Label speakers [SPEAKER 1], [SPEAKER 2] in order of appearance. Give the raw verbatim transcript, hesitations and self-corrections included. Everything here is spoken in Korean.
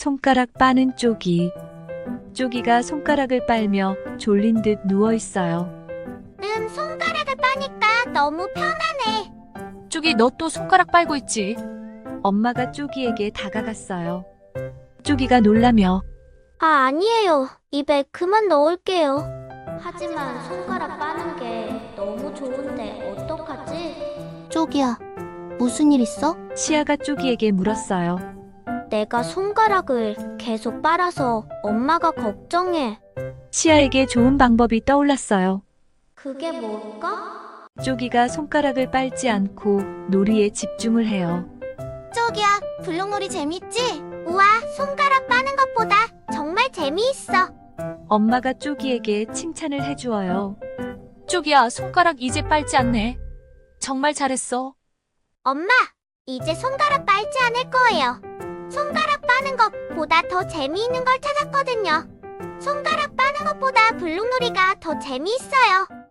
[SPEAKER 1] 손가락 빠는 쪼기. 쪼기가 손가락을 빨며 졸린 듯 누워 있어요.
[SPEAKER 2] 음, 손가락을 빠니까 너무 편하네.
[SPEAKER 3] 쪼기, 너 또 손가락 빨고 있지?
[SPEAKER 1] 엄마가 쪼기에게 다가갔어요. 쪼기가 놀라며
[SPEAKER 2] 아, 아니에요. 입에 그만 넣을게요. 하지만 손가락 빠는 게 너무 좋은데 어떡하지? 쪼기야, 무슨 일 있어?
[SPEAKER 1] 시아가 쪼기에게 물었어요.
[SPEAKER 2] 내가 손가락을 계속 빨아서 엄마가 걱정해.
[SPEAKER 1] 시아에게 좋은 방법이 떠올랐어요.
[SPEAKER 2] 그게 뭘까?
[SPEAKER 1] 쪼기가 손가락을 빨지 않고 놀이에 집중을 해요.
[SPEAKER 2] 쪼기야, 블록놀이 재밌지? 우와, 손가락 빠는 것보다 정말 재미있어.
[SPEAKER 1] 엄마가 쪼기에게 칭찬을 해주어요.
[SPEAKER 3] 쪼기야, 손가락 이제 빨지 않네. 정말 잘했어.
[SPEAKER 2] 엄마, 이제 손가락 빨지 않을 거예요. 손가락 빠는 것보다 더 재미있는 걸 찾았거든요. 손가락 빠는 것보다 블록놀이가 더 재미있어요.